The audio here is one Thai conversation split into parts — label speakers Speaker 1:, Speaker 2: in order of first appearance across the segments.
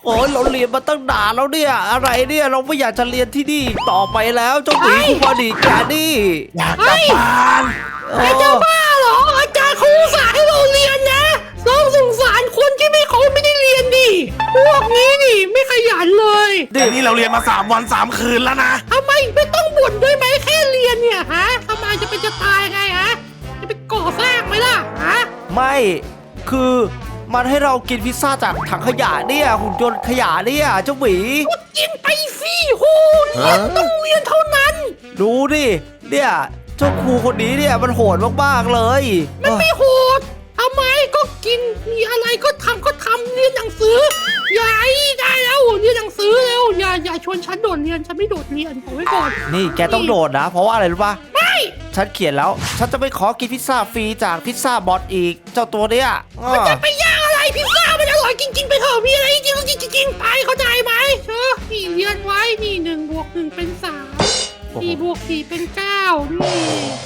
Speaker 1: โอ้ยเราเรียนมาตั้งนานแล้วเนี่ยอะไรเนี่ยเราไม่อยากจะเรียนที่นี่ต่อไปแล้วเจ้าหมีคุมาดิแกนี่
Speaker 2: อยากกลับบ้าน
Speaker 1: เอ
Speaker 3: จะ
Speaker 1: อ
Speaker 3: บ้าเหรออาจารย์เขาอุตส่าห์ให้เราเรียนนะเราสงสารคนที่เขาไม่ได้เรียนดิพวกนี้นี่ไม่ขยันเลย
Speaker 2: เดี๋ยวนี้เราเรียนมา3 วัน 3 คืนแล้วนะ
Speaker 3: ทำไมไม่ต้องบ่นด้วยไหมแค่เรียนเนี่ยฮะทำไมจะเป็นจะตายไงฮะจะไปก่อสร้างไหมล่ะฮะ
Speaker 1: ไม่คือมันให้เรากินพิซซ่าจากถังขยะเนี่ยหุ่นยนต์ขยะเนี่ยเจ้าหมี
Speaker 3: ก็กินไปสิโหเรียนต้องเรียนเท่านั้น
Speaker 1: ดูดิเนี่ยเจ้าครูคนนี้เนี่ยมันโหดมากๆเลย
Speaker 3: มันไม่โหดทำไมก็กินมีอะไรก็ทำเรียนหนังสืออย่าได้แล้วเรียนหนังสือแล้วอย่าชวนฉันโดดเรียนฉันไม่โดดเรียนบอกไว้ก่อน
Speaker 1: นี่แกต้องโดดนะ เพราะว่าอะไรรู้ป่ะ
Speaker 3: ไม่
Speaker 1: ฉันเขียนแล้วฉันจะไม่ขอกินพิซซ่าฟรีจากพิซซ่าบอทอีกเจ้าตัวเนี้ยอ้อ
Speaker 3: จะไปย่างอะไรพิซซ่ามันอร่อยจริงๆไปเถอะมีอะไรจริงๆจริงไปเข้าใจไหมเชอนี่เรียนไว้นี่1+1เป็น3 4+4เป็น9นี่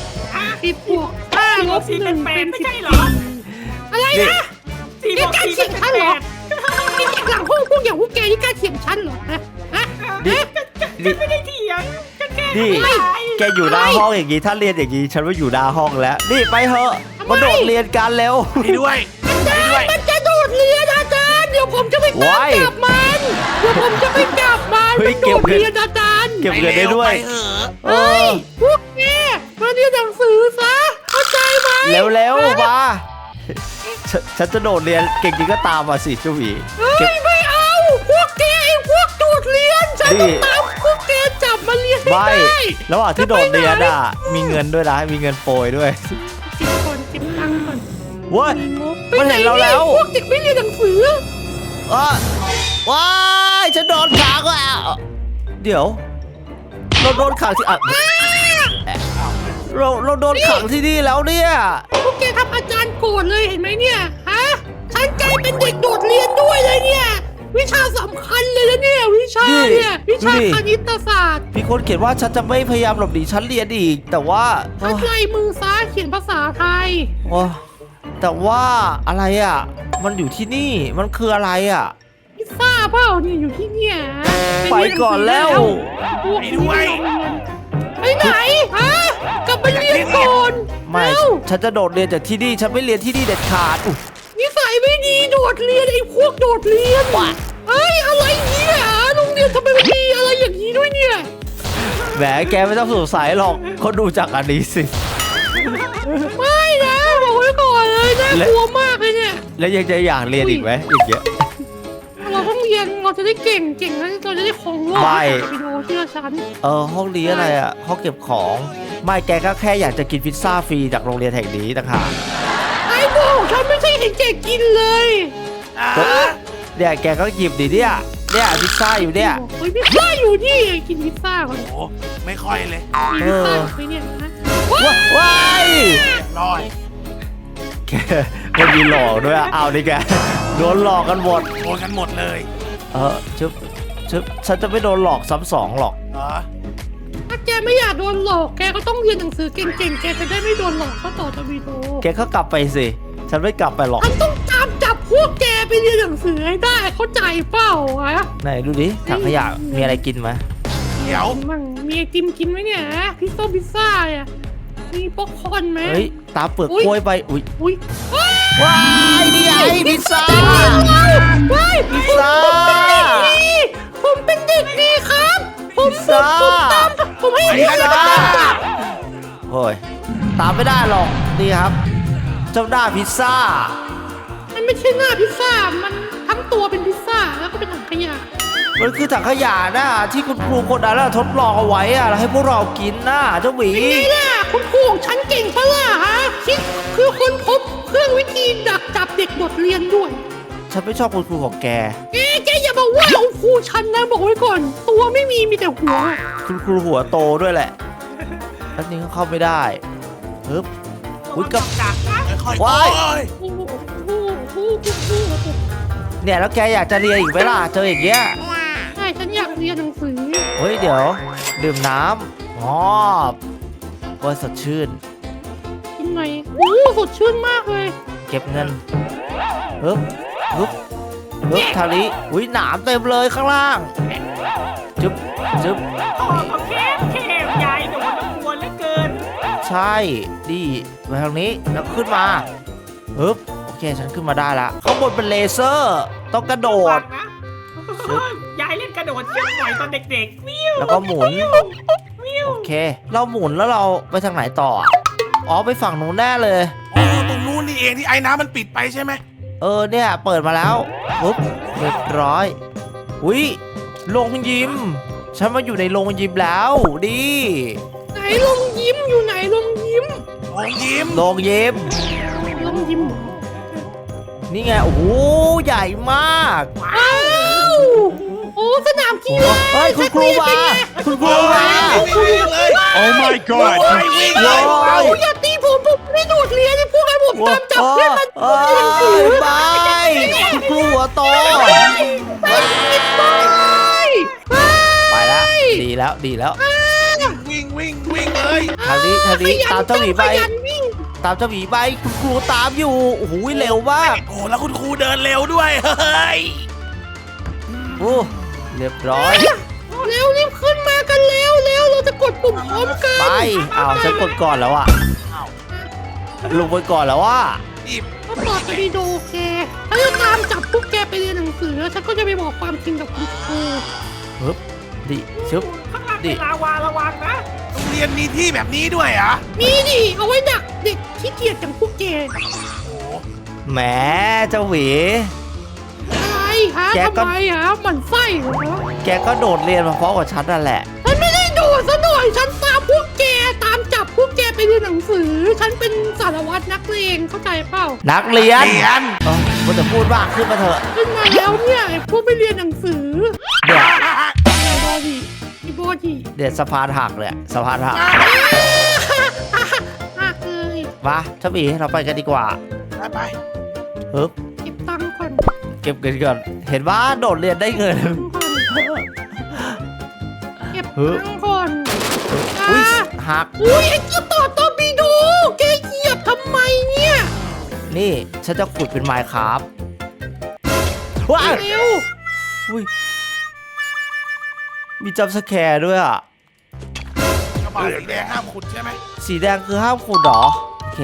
Speaker 3: 10+5-1เป็น
Speaker 4: ไม่ใช่เหรอ
Speaker 3: 14อะไรนะ
Speaker 4: สี่
Speaker 3: นี่
Speaker 4: บวก
Speaker 3: กล้า
Speaker 4: สี่
Speaker 3: เถียงฉันเหรอนี่จากหลังห้องพวกอย่างพวกแกนี่กล้าเถียงฉันเหรอฮะ
Speaker 1: นี่
Speaker 4: ฉันไม่ได้เถียงฉันแค่
Speaker 1: นี่
Speaker 4: ไม่
Speaker 1: แกอยู่หน้าห้องอย่างนี้ถ้าเรียนอย่างนี้ฉันว่าอยู่หน้าห้องแล้ว นี่ไปเถอะมาโดดเรียนกันเร็ว
Speaker 2: ไปด้วย
Speaker 3: มันจะโดดเรียนอาจารย์เดี๋ยวผมจะไปตามจับมันเดี๋ยวผมจะไปจับมัน
Speaker 1: เฮ้ย
Speaker 3: มันโดดเรียนอาจารย์
Speaker 1: เก็บเงินได้ด้วย
Speaker 2: ไปเถอะ
Speaker 1: เอ
Speaker 3: เฮ้
Speaker 1: อย
Speaker 3: พวกแกมาเรียนหนังสือซะเข้าใจไหม
Speaker 1: เร็วๆมาฉันจะโดดเรียนเก่งจริงก็ตามมาสิเจ้าหวี
Speaker 3: เฮ้
Speaker 1: เก็บ
Speaker 3: ยไม่เอาพวกแกไอ้พวกโดดเรียนฉัน
Speaker 1: นี่
Speaker 3: ต้องตามพวกแกจับมาเรียนให้
Speaker 1: ไม่
Speaker 3: ได้
Speaker 1: ระหว่างที่โดดเรียนอ่ะมีเงินด้วยนะมีเงินโปรยด้วย
Speaker 3: เก็บตังค์ก่อน
Speaker 1: เว้ย มันเห็นเราแล้ว
Speaker 3: พวกเด็กไม่เรียนหนังสือ
Speaker 1: ว้ายฉันโดนขังแล้วเดี๋ยว เราโดนขังที่เราโดนขังที่นี่แล้วเนี่ย
Speaker 3: พวกแกทำอาจารย์โกรธเลยเห็นไหมเนี่ยฮะฉันกลายเป็นเด็กโดดเรียนด้วยเลยเนี่ยวิชาสำคัญเลยนะเนี่ยวิชาเนี่ยวิชาคณิตศาสตร์
Speaker 1: มีคนเขียนว่าฉันจะไม่พยายามหลบหนีชั้นเรียนอีก แต่ว่า
Speaker 3: ทัดลายมือซ้ายเขียนภาษาไทย
Speaker 1: โอ้แต่ว่าอะไรอ่ะ มันอยู่ที่นี่มันคืออะไรอ่ะ
Speaker 3: พิซซ่าเปล่าเนี่ยอยู่ที่เนี่ย
Speaker 1: ไปก่อนแล้ว
Speaker 3: พวกนี้ไปไหนฮะกลับไปเรียนก่อน
Speaker 1: ไม่
Speaker 3: เอ้า
Speaker 1: ฉันจะโดดเรียนจากที่นี่ฉันไม่เรียนที่นี่เด็ดขาดอุ๊ย
Speaker 3: นิสัยไม่ดีโดดเรียนไอ้พวกโดดเรียน
Speaker 1: ว่ะ
Speaker 3: เฮ้ยอะไรเนี่ยโรงเรียนทำไมมันมีอะไรอย่างนี้ด้วยเนี่ย
Speaker 1: แหมแกไม่ต้องสงสัยหรอกเขาดูจากอันนี้สิ
Speaker 3: ไม่นะบอกไว้ก่อนเลยน่ากลัวมากเลยเนี่ย
Speaker 1: แล้วยังจะอยากเรียนอีกไหมอย่างเงี้ย
Speaker 3: เราต้องเรียนเราจะได้เก่งแล้วเราจะได้ของโลก
Speaker 1: ไม่
Speaker 3: ไปดูเชื่อฉัน
Speaker 1: ห้องนี้อะไรอ่ะห้องเก็บของไม่แกก็แค่อยากจะกินพิซซ่าฟรีจากโรงเรียนแห่งนี้ต่างหาก
Speaker 3: ไอ้บอกฉันไม่ใช่เห็นแกกินเลย
Speaker 2: อ่า
Speaker 1: เนี่ยแกก็หยิบดิเนี่ยพิซซ่าอยู่เนี่ย
Speaker 3: เฮ้ยพิซซ่าอยู่นี่กินพิซซ่าก่อน
Speaker 2: โอ้ไม่ค่อยเลย
Speaker 3: มีพิซซ่าอยู่ไหมเนี่ยนะ
Speaker 1: ว้าย
Speaker 2: ร้อย
Speaker 1: แกมันมีหลอกด้วยอะเอาดิแกโดนหลอกกันหมด
Speaker 2: โดนกันหมดเลย
Speaker 1: ชึบฉันจะไม่โดนหลอกซ้ำสองหรอก
Speaker 2: เหรอ
Speaker 3: ถ้าแกไม่อยากโดนหลอกแกก็ต้องเรียนหนังสือเก่งๆแกจะได้ไม่โดนหลอกก็ต่อจะวีโด
Speaker 1: แกก็กลับไปสิฉันไม่กลับไปหรอก
Speaker 3: ฉันต้องตามจับพวกแกไปเรียนหนังสือให้ได้เข้าใจเปล่าฮะ
Speaker 1: ไหนดูดิถังขยะมีอะไรกินไหม
Speaker 2: เดี๋ยว
Speaker 3: มั่งมีไอติมกินไหมเนี่ยพิซซ่าอ่ะมีป๊อปคอร์นไหม
Speaker 1: เฮ้ยตามเปลือก
Speaker 3: อุ๊ย
Speaker 1: กล้วยไปอุ้ย
Speaker 3: อุ้ย
Speaker 1: ว้ายนี่ไงพิซซ่า
Speaker 3: ว้าย
Speaker 1: พิซซ่า
Speaker 3: ผมเป็นเด็กดีครับผม
Speaker 1: พิซซ่า
Speaker 3: ตามผมให้
Speaker 1: พิซ
Speaker 3: เรียน
Speaker 1: ซ่าโอ้ยตามไม่ได้หรอกนี่ครับ เจ้าหน้าพิซซ่า
Speaker 3: มันไม่ใช่หน้าพิซซ่ามันทั้งตัวเป็นพิซซ่าแล้วก็เป็นถังขยะ
Speaker 1: มันคือถังขยะนะที่คุณครูคนนั้นทดลองเอาไว้อะแล้วให้พวกเรากินนะเจ้าหมี
Speaker 3: นี่แหละคุณครูของฉันเก่งปะล่ะฮะคิดคือคนพบเครื่องวิธีดักจับเด็กบทเรียนด้วย
Speaker 1: ฉันไม่ชอบคุณครูของแก
Speaker 3: แกอย่ามาว่าเอาครูฉันนะบอกไว้ก่อน ตัวไม่มีแต่หัว
Speaker 1: คุณครูหัวโตด้วยแหละแล้วนี้ก็เข้าไม่ได้ฮึบอุ้ยกับ
Speaker 4: กักนะ
Speaker 2: ค่อยๆ
Speaker 1: ว้าย
Speaker 2: โอ้ย
Speaker 3: โอ้โหโอ้โหโอ้โห
Speaker 1: เนี่ยแล้วแกอยากจะเรียนอีกไหมล่ะเจออย่างเงี้ย
Speaker 3: ใช่ฉันอยากเรียนหนังสือ
Speaker 1: เฮ้ยเดี๋ยวดื่มน้ำอ๋อว่าสดชื่น
Speaker 3: กินหน่อยโอ้สดชื่นมากเลย
Speaker 1: เก็บเงินฮึบฮึบฮึบทางนี้อุ้ยหนามเต็มเลยข้างล่างจึ๊บจึ๊บ
Speaker 4: โอ้โอเคยายโดนกวนเหลือเกิน
Speaker 1: ใช่ดีไปทางนี้แล้วขึ้นมาฮึบโอเคฉันขึ้นมาได้ละข้างบนเป็นเลเซอร์ต้องกระโดด
Speaker 4: นะยายเล่นกระโดดเชือกหน่อยตอนเด็กๆวิว
Speaker 1: แล้วก็หมุน
Speaker 4: วิว
Speaker 1: โอเค เราหมุนแล้วเราไปทางไหนต่ออะอ๋อไปฝั่งนู้นแน่เลย
Speaker 2: อ๋อตรงนู้นนี่เองที่ไอ้น้ำมันปิดไปใช่ไหม
Speaker 1: เนี่ยเปิดมาแล้วปุ๊บเรียบร้อยอุ้ยโรงยิมฉันมาอยู่ในโรงยิมแล้วดี
Speaker 3: ไหนลงยิ้มอยู่ไหนลงยิ้ม
Speaker 2: โอ้ยิ้ม
Speaker 1: โรงยิม
Speaker 3: ลงยิ้ม
Speaker 1: นี่ไงโอ้โหใหญ่มาก
Speaker 3: อ้าวโอ้สนามกีฬา
Speaker 1: เฮ้ยคุณครูมาคุณครูมา
Speaker 2: วิ่งเลย
Speaker 5: Oh my god!
Speaker 2: วิ่งเลย
Speaker 1: โอ้ย
Speaker 3: อย่าตีผมไม่โดดเรียนพวกให้ผมตามจับเพื่อนมัน
Speaker 1: เอ้ยบายคุณครูหัวโต ไปแล้วดีแล้วดีแล้ว
Speaker 2: วิ่งเลย
Speaker 1: ทางนี้ตามเจ้าหมีไป
Speaker 3: ขยันวิ่ง
Speaker 1: ตามเจ้าหมีไปคุณครูตามอยู่โอ้โหเร็วมาก
Speaker 2: โอ้แล้วคุณครูเดินเร็วด้วยเฮ้ย
Speaker 1: โอ้เรียบร้อย
Speaker 3: เร็วรีบขึ้นมากันเร็วเราจะกดปุ่มพร้อมกัน
Speaker 1: ไปอ้าวฉันกดก่อนแล้วอะลงไปก่อนแล้วว่า
Speaker 2: รีบ
Speaker 3: ก็ต่อจะดีดูแกถ้าจะตามจับพวกแกไปเรียนหนังสือแล้วฉันก็จะไปบอกความจริงกับคุณครู
Speaker 1: ปึ๊บดิชึบ
Speaker 4: ข้างล่างเป็นลาวาระวังนะ
Speaker 2: โรงเรียนมีที่แบบนี้ด้วยเหรอ่ะ
Speaker 3: มีดิเอาไว้ดักเด็กขี้เกียจอย่างพวกแก
Speaker 1: แหมเจ้าหวี
Speaker 3: อะไรฮะ
Speaker 1: แกก็
Speaker 3: ทำไมฮะหมันไส้เหรอ
Speaker 1: แกก็โดดเรียนมาเพราะกับฉันนั่นแหละ
Speaker 3: ฉันไม่ได้โดดซะหน่อยฉันตามพวกแกตามจับพวกแกไปเรียนหนังสือ ฉันเป็นสารวัตรนักเลงเข้าใจเปล่า
Speaker 1: นักเรียน
Speaker 2: เรียน
Speaker 1: มันจะพูดมากขึ้นมาเถอะ
Speaker 3: ขึ้นมาแล้วเนี่ยไอ้พวกไปเรียนหนังสือ
Speaker 1: เดี๋ยว
Speaker 3: ไอ้บอดี้ไอ้บอดี้
Speaker 1: เดี๋ยวสะพานหักเลยสะพานหัก
Speaker 3: หักเลย
Speaker 1: มาเจ้าหวีเราไปกันดีกว่า
Speaker 2: ไป
Speaker 1: ปึ๊บ
Speaker 3: เก็บตังค์ก่อน
Speaker 1: เก็บเงินก่อนเห็นว่าโดดเรียนได้เงิน
Speaker 3: เก็บตังค์ก่อน
Speaker 1: อุ้ยหัก
Speaker 3: อุ้ยไอ้เจ้าต่อตอร์ปิโดแกเหยียบทำไมเนี่ย
Speaker 1: นี่ฉันจะขุดเป็นไมค์ครับว้าว
Speaker 3: เร็ว
Speaker 1: อุ้ยมีจัมป์สแคร์ด้วยอ่ะ
Speaker 2: กระบะสีแดงห้ามขุดใช่ไหม
Speaker 1: สีแดงคือห้ามขุดเหรอ โอเค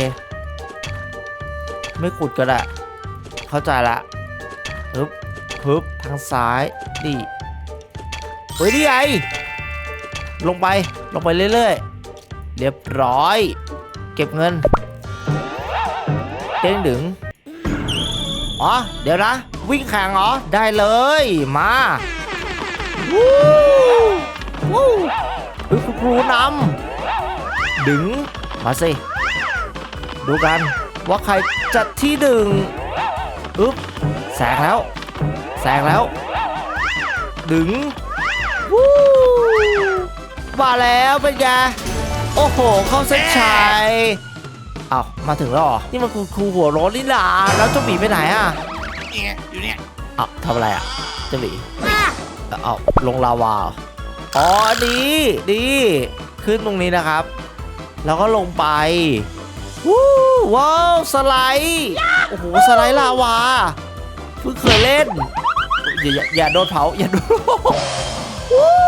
Speaker 1: ไม่ขุดก็ได้ เข้าใจละปึ๊บทางซ้ายนี่เฮ้ยนี่ไงลงไปเรื่อยๆ เรียบร้อย เก็บเงินเด้งดึงอ๋อ เดี๋ยวนะ วิ่งแข่งเหรอ ได้เลยมาวู้วู้เฮ้ยคุณครูนำดึงมาสิ ดูกันว่าใครจัดที่ดึงอึ๊บแซงแล้ว ดึงวู้มาแล้วเป็นไงโอ้โห เข้าเส้นชัยอ้าวมาถึงแล้วเหรอ นี่มันคุณครูหัวโล้นนี่ล่ะแล้วเจ้าหมีไปไหนอ่ะ
Speaker 2: นี่ไงอยู่เนี่ย
Speaker 1: อ้าวทำอะไรอ่ะเจ้าหมี
Speaker 3: อ่ะ
Speaker 1: เอาลงลาวาเหรออ๋อดีขึ้นตรงนี้นะครับ แล้วก็ลงไปวู้ว้าวสไลด์โอ้โหสไลด์ลาวาเพิ่งเคยเล่นอย่าโดนเผาอย่าโดนวู้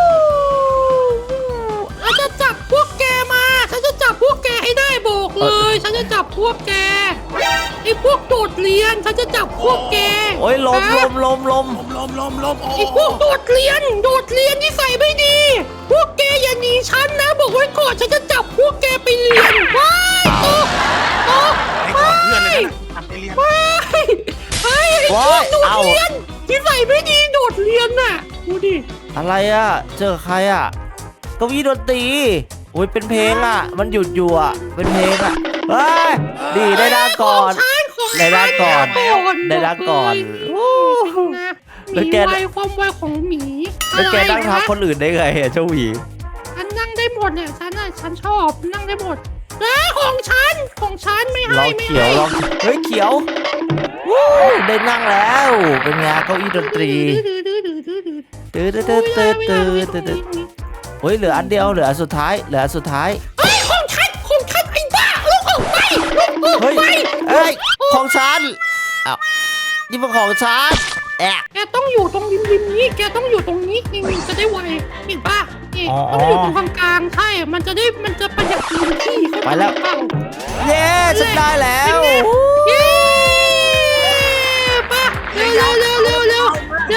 Speaker 3: ฉันจะจับพวกแกมาฉันจะจับพวกแกให้ได้บอกเลย ฉันจะจับพวกแกไอ้พวกโดดเรียนฉันจะจับพวกแก
Speaker 1: โอ้ยลม
Speaker 3: นะ
Speaker 1: ลม
Speaker 2: ลมโอ้
Speaker 3: ไอ้พวกโดดเรียนที่ใส่ไม่ดี พวกแกอย่าหนีฉันนะบอกไว้ก่อนฉันจะจับพวกแกไปเรียนว้ายตก
Speaker 2: ไอ้ก่อนเพื่อนเลยนะทำไปเรียน
Speaker 3: ว้ายไอ้พวกโดดเรียนที่ใส่ไม่ดีโดดเรียนน่ะดูดิ
Speaker 1: อะไรอ่ะเจอใครอ่ะเก้าอี้ดนตรีโอ้ยเป็นเพลงอ่ะมันหยุดอยู่อ่ะเป็นเพลงอ่ะเฮ้ยดีได้ด้านก่อน ได้ด้านก่อนได้ด้านก่อนโอ้
Speaker 3: นะ
Speaker 1: แล้ว
Speaker 3: มี
Speaker 1: แก
Speaker 3: ไวความไวของหมี
Speaker 1: แล้วแกนั่งทับคนอื่นได้ไงอ่ะเจ้าหวี
Speaker 3: ฉันนั่งได้หมดเนี่ยฉันชอบนั่งได้หมดแล้วของฉันไม่
Speaker 1: ล
Speaker 3: ให้
Speaker 1: อง
Speaker 3: ไม่
Speaker 1: เขียว
Speaker 3: ให้
Speaker 1: ลองเฮ้ยเขียววู้ได้นั่งแล้วเป็นไงเก้าอี้ดนตรีตื้อเฮ้ยเหลืออันเดียวเหลืออันสุดท้ายเ
Speaker 3: เฮ้ยของฉันไอ้บ้าลูกออกไปลูกออก
Speaker 1: เฮ้ย
Speaker 3: ไป
Speaker 1: เอ้ยของฉันอ้าวนี่เป็นของฉันแอะ
Speaker 3: แกต้องอยู่ตรงริมนี้แกต้องอยู่ตรงนี้นี่จะได้ไวเห็นป่ะนี่ต้องอยู่ตรงกลางๆใช่มันจะประหยัดพื้นที่
Speaker 1: ไปแล้ว
Speaker 3: เปล่า
Speaker 1: เย้ฉันได้แล้ว
Speaker 3: เย้ป่ะเร็วเดินมาเร็วเ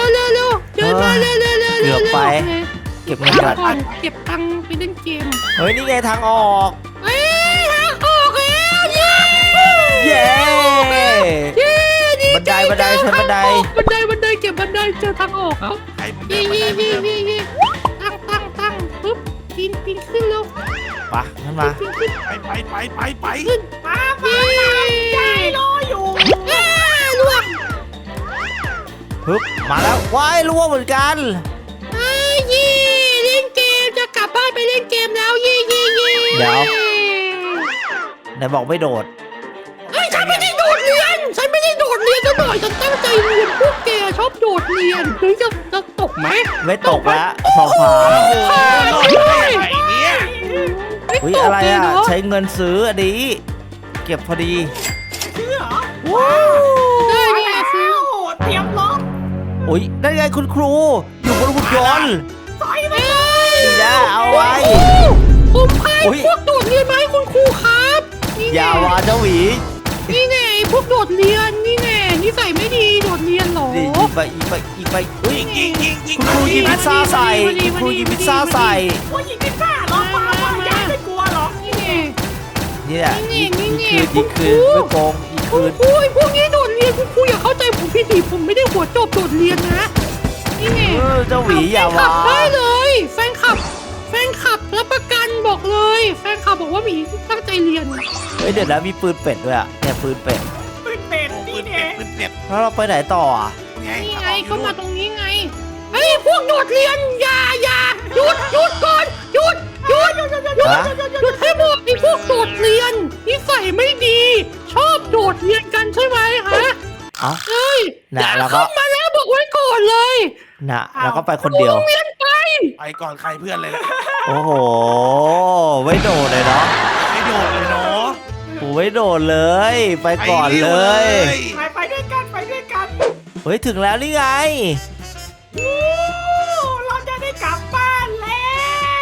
Speaker 1: เก็บเงินก่อน
Speaker 3: ก่อนเก็บตังค์ไปเล่นเกม
Speaker 1: เฮ้ยนี่ไงทางออก
Speaker 3: เอ้ยทางออกแล้วเย้
Speaker 1: เย้
Speaker 3: เย้ดี
Speaker 1: บันไดใช้บันได
Speaker 3: บันไดเก็บบันไดเจอทางออกแล้ว
Speaker 2: ใครผมเดิ
Speaker 3: เย่
Speaker 2: นมาได้
Speaker 3: เย่ตั้งปึ๊บปีนขึ้นแล้ว
Speaker 1: ไปงั้นมา
Speaker 3: ปีนขึ้น
Speaker 2: ไป
Speaker 3: ขึ้น
Speaker 4: มา
Speaker 3: เย่
Speaker 4: ยายรออยู่
Speaker 3: ล่วง
Speaker 1: ฮึบมาแล้วว้ายล่วงเหมือนกัน
Speaker 3: เย่เล่นเกมจะกลับบ้านไปเล่นเกมแล้วเย่
Speaker 1: เดี๋ยวไหนบอกไม่โดด
Speaker 3: เฮ้ยฉันไม่ได้โดดเรียนซะหน่อยฉันตั้งใจเรียนพวกแกชอบโดดเรียนหรือจะตกไหม
Speaker 1: ไม่ตกแล้วสองฝา
Speaker 2: โอ้โหรอดได้ยังไงเนี่ย
Speaker 3: ไม่
Speaker 1: อุ้ย
Speaker 3: ต
Speaker 1: อะ
Speaker 3: ก
Speaker 1: ไร
Speaker 3: เลย
Speaker 1: อ่ะ
Speaker 3: เนาะ
Speaker 1: ใช้เงินซื้ออันนี้เก็บพอดี
Speaker 4: ชื่อเหรอ
Speaker 3: ได้
Speaker 4: มา
Speaker 3: เนี่ย
Speaker 4: แล้
Speaker 3: ซื้อ
Speaker 4: วเตรียมรถ
Speaker 1: อุ้ยนั่นไงคุณครู อยู่บนหุ่นยนต์
Speaker 4: ถอยไป
Speaker 1: ดีนะเอาไว้
Speaker 3: ผมพาย
Speaker 1: อุ๊ย
Speaker 3: พวกโดดเรียนมาให้คุณครูครับนี่
Speaker 1: อย่าวาเจ้าหวี
Speaker 3: นี่แน่พวกโดดเรียนนี่แน่นิสัยไม่ดีโดดเรียนเหรอ
Speaker 1: นี่ยิงไปอุ้ย
Speaker 2: ยิง
Speaker 1: คุณครูยิงพิซซ่าใส่คุณครูยิงพิซซ่าใส่
Speaker 4: ว่ายิงพิซซ่าเหรอมายายไม่กลัวหรอก
Speaker 3: นี่แน่
Speaker 1: นี่แหละ
Speaker 3: นี่
Speaker 1: ยิง
Speaker 3: นี่
Speaker 1: คืนไม่โกงยิง
Speaker 3: คุ
Speaker 1: คื
Speaker 3: ณ
Speaker 1: น
Speaker 3: ครูพวกนี้โดดเรียนคุณครูอย่าเข้าใจผมผิดดิผมไม่ได้หัวโจบโดดเรียนนะนี่แน่
Speaker 1: เจ้าหวีอย่า
Speaker 3: แฟนคลั
Speaker 1: วา
Speaker 3: บได้เลยแฟนคลับรับประกันบอกเลย แฟนคลับบอกว่าหมีตั้งใจเรียน
Speaker 1: เฮ้ยเดี๋ยวนะมีปืนเป็ดด้วยอ่ะเนี่ยปืนเป็ด
Speaker 4: ปืนเป็ด
Speaker 2: โอ้
Speaker 4: นี่
Speaker 2: ปืน
Speaker 4: เนี่
Speaker 2: เป็
Speaker 4: ย
Speaker 2: ดปืนเป็ด
Speaker 1: แล้วเราไปไหนต่ออ่ะ
Speaker 2: ไง
Speaker 3: นี่ไงก็มาตรงนี้ไงเฮ้ยพวกโดดเรียนอย่าหยุดก่อนหยุดให้หมดไอ้พวกโดดเรียนนิสัยไม่ดี ชอบโดดเรียนกันใช่ไหมฮะ
Speaker 1: เอ้า
Speaker 3: เฮ้ย
Speaker 1: น่ะ
Speaker 3: อย่า
Speaker 1: แล้วก็
Speaker 3: เข้ามาแล้วบอกไว้ก่อนเลย
Speaker 1: น่ะแล้วก็ไปคนเดียว
Speaker 3: โรงเรียนไป
Speaker 2: ไปก่อนใครเพื่อนเลยแหละ
Speaker 1: โอ้โหไม่โดดเลยเนาะ
Speaker 2: ไม่โดดเลยเนาะ
Speaker 1: โอ้ไม่โดดเลย ไปก่อนเลย
Speaker 4: ไปด้วยกัน
Speaker 1: เฮ้ยถึงแล้วนี่ไง
Speaker 4: โอ้เราจะได้กลับบ้านแล้ว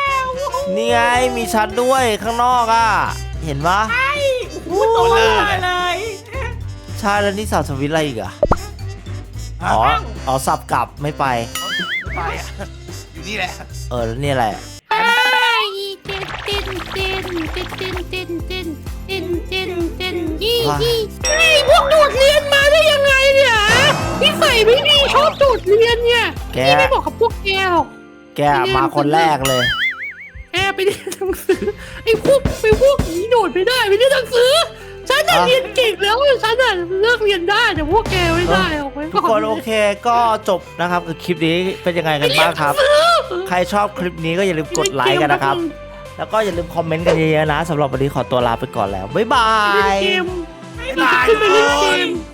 Speaker 1: นี่ไงมีชั้นด้วยข้างนอกอ่ะ เห็นปะ
Speaker 4: ไอ้โอ้โหโตเลย
Speaker 1: ใช่แล้วนี่สับสวิตช์อะไรอีกอะอ๋อสับกลับไม่ไป
Speaker 2: ไปอ่ะอยู่นี่แหละ
Speaker 1: แล้วนี่อะไรอะ
Speaker 3: ไอ้เต้นยี่ไอ้พวกโดดเรียนมาได้ยังไงเนี่ยนิสัยไม่ดีชอบโดดเรียนเนี่ยพี่ไม่บอกกับพวกแกหรอก
Speaker 1: แกมาคนแรกเลย
Speaker 3: แกไปเรียนหนังสือไอ้พวกนี้โดดไม่ได้ไปเรียนหนังสือฉันน่ะเรียนเก่งแล้วฉันน่ะเลิกเรียนได้แต่พวกแกไม่ได้ออกไว้
Speaker 1: ทุกคนโอเคก็จบนะครับกับคลิปนี้เป็นยังไงกันบ้างครับ ใครชอบคลิปนี้ก็อย่าลืมกดไลค์กันนะครับ แล้วก็อย่าลืมคอมเมนต์กันเยอะๆนะสำหรับวันนี้ขอตัวลาไปก่อนแล้วบ๊ายบา
Speaker 3: เล่น
Speaker 1: ย
Speaker 3: เกม
Speaker 2: บ๊ายบาย
Speaker 3: ขึ้นไปเล่นเก
Speaker 2: ทุกคน
Speaker 3: ม